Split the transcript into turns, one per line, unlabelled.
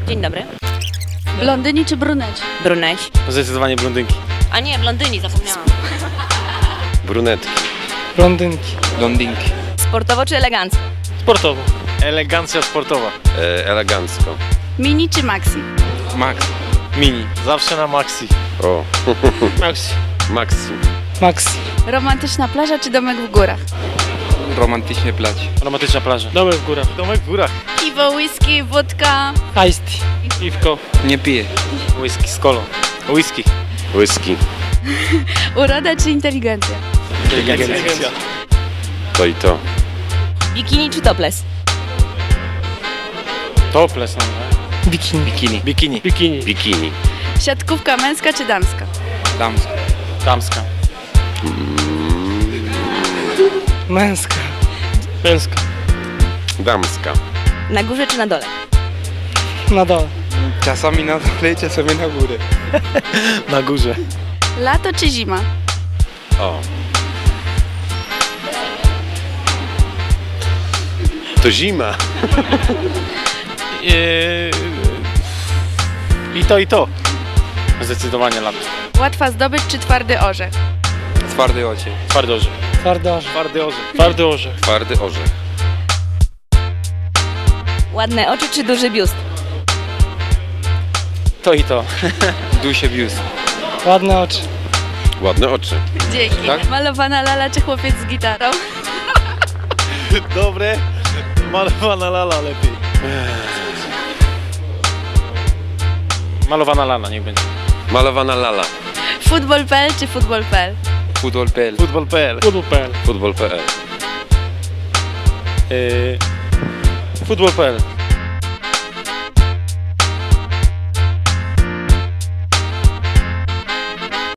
Dzień dobry.
Blondyni czy bruneci?
Bruneci.
Zdecydowanie blondynki.
A nie, blondyni, zapomniałam.
Brunetki.
Blondynki.
Blondynki.
Sportowo czy elegancko?
Sportowo. Elegancja sportowa.
Elegancko.
Mini czy maxi?
Max.
Mini. Zawsze na maxi.
O.
Maxi.
Maxi.
Maxi.
Romantyczna plaża czy domek w górach?
Romantycznie plać.
Romantyczna plaża. Domek w górach. Domek w górach.
Piwo, whisky, wódka.
Iced tea.
Piwko.
Nie piję.
Whisky z kolą. Whisky.
Whisky.
Uroda czy inteligencja?
Inteligencja.
To i to.
Bikini czy topless?
Topless.
Bikini.
Bikini.
Bikini.
Bikini.
Bikini.
Siatkówka męska czy damska?
Damsko.
Damska.
Męska.
Męska.
Damska.
Na górze czy na dole?
Na dole.
Czasami na dole, czasami na górę.
Na górze.
Lato czy zima?
O. To zima.
I to, i to. Zdecydowanie lato.
Łatwa zdobyć czy twardy orzech?
Twardy ocie.
Twardy orzech.
Twardy orzech.
Twardy orzech. Twardy orzech.
Twardy orzech.
Ładne oczy czy duży biust?
To i to.
Dusie biust.
Ładne oczy.
Ładne oczy.
Dzięki.
Tak?
Malowana lala czy chłopiec z gitarą?
Dobre. Malowana lala lepiej. Malowana lala niech będzie.
Malowana lala.
Futbol.pl czy futbol.pl?
Futbol.pl.
Futbol.pl.
Futbol.pl.
Futbol.pl.
Futbol.pl.